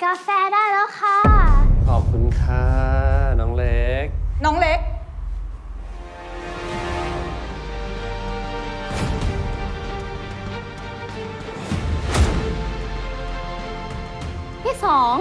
กาแฟได้แล้วค่ะขอบคุณค่ะน้องเล็กน้องเล็กพี่สอง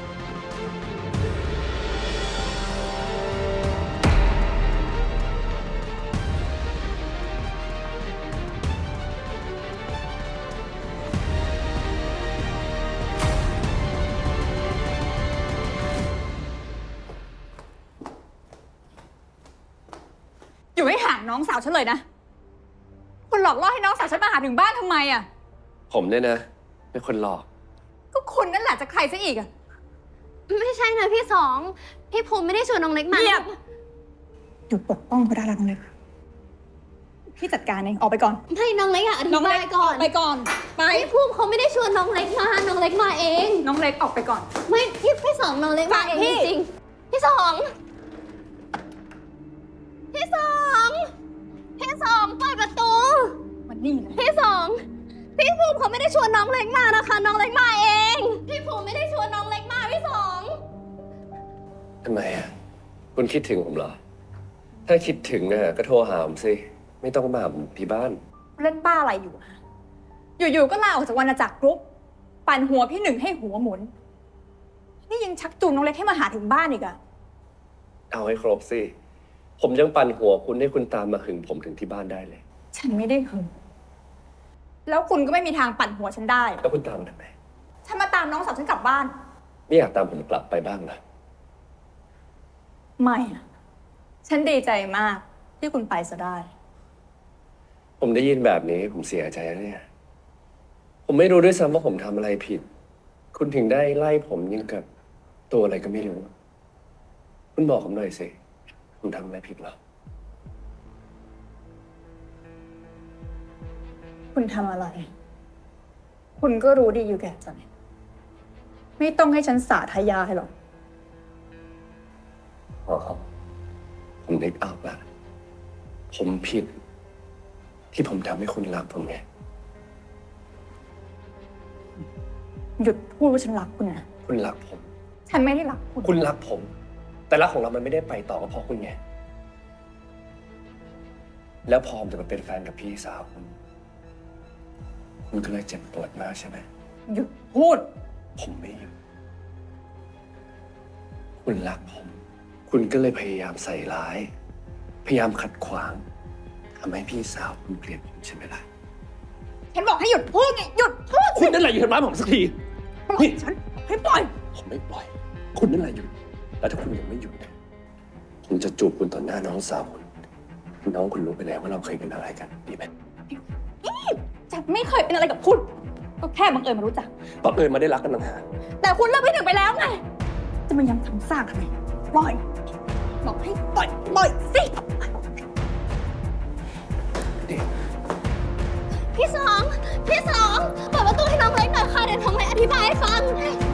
อยู่ให้ห่างน้องสาวฉันเลยนะคุณหลอกล่อให้น้องสาวฉันมาหาถึงบ้านทำไมอ่ะผมเนี่ยนะเป็นคนหลอกก็คุณนั่นแหละจะใครซะอีกอ่ะไม่ใช่นะพี่สองพี่ภูมิไม่ได้ชวนน้องเล็กมาเงียบหยุดปกป้องเขาได้แล้วน้องเล็กพี่จัดการเองออกไปก่อนไม่น้องเล็กอะอธิบายก่อนไปก่อนไปพี่ภูมิเขาไม่ได้ชวนน้องเล็กมาน้องเล็กมาเองน้องเล็กออกไปก่อนไม่พี่สองน้องเล็กมาเองจริงพี่สองพี่สองเปิดประตูมันนี่เลยพี่สองพี่ภูมิเขาไม่ได้ชวนน้องเล็กมานะคะน้องเล็กมาเองพี่ภูมิไม่ได้ชวนน้องเล็กมาพี่สองทำไมอ่ะคุณคิดถึงผมเหรอถ้าคิดถึงอ่ะก็โทรหาผมสิไม่ต้องมาหาผมที่บ้านเล่นบ้าอะไรอยู่อยู่ๆก็ลาออกจากวรรณจักรกรุ๊ปปั่นหัวพี่หนึ่งให้หัวหมุนนี่ยังชักจูงน้องเล็กให้มาหาถึงบ้านอีกอะเอาให้ครบสิผมยังปั่นหัวคุณให้คุณตามมาหึงผมถึงที่บ้านได้เลยฉันไม่ได้หึงแล้วคุณก็ไม่มีทางปั่นหัวฉันได้แล้วคุณตามทำไมฉันมาตามน้องสาวฉันกลับบ้านไม่อยากตามผมกลับไปบ้างนะไม่อะฉันดีใจมากที่คุณไปซะได้ผมได้ยินแบบนี้ผมเสียใจนะเนี่ยผมไม่รู้ด้วยซ้ำว่าผมทำอะไรผิดคุณถึงได้ไล่ผมยังกับตัวอะไรก็ไม่รู้คุณบอกผมหน่อยสิผมทำอะไรผิดเหรอคุณทำอะไร คุณก็รู้ดีอยู่แก่ใจไม่ต้องให้ฉันสาธยายหรอกอ๋อผมนึกออกละผมผิดที่ผมทำให้คุณรักผมไงหยุดพูดว่าฉันรักคุณนะคุณรักผมฉันไม่ได้รักคุณคุณรักผมแต่รักของเรามันไม่ได้ไปต่อก็เพราะคุณไงแล้วพอผมจะมาเป็นแฟนกับพี่สาวคุณก็เลยเจ็บปวดมากใช่ไหมหยุดพูดผมไม่หยุดคุณรักผมคุณก็เลยพยายามใส่ร้ายพยายามขัดขวางทำให้พี่สาวคุณเกลียดผมใช่ไหมล่ะฉันบอกให้หยุดพูดไงหยุดพูดคุณนั่นแหละหยุดทำร้ายผมสักทีนี่ฉันให้ปล่อยผมไม่ปล่อยคุณนั่นแหละหยุดแล้วถ้าคุณยังไม่หยุดผมจะจูบคุณต่อหน้าน้องสาวคุณน้องคุณรู้ไปแล้วว่าเราเคยเป็นอะไรกันดีไหมฉันไม่เคยเป็นอะไรกับคุณก็แค่บังเอิญมารู้จักบังเอิญมาได้รักกันต่างหากแต่คุณเลิกพี่หนึ่งไปแล้วไงจะมายังทำซากทำไมปล่อยบอกให้ปล่อยสิพี่สองเปิดประตูให้น้องเล็กหน่อยค่ะเดี๋ยวน้องเล็กอธิบายให้ฟัง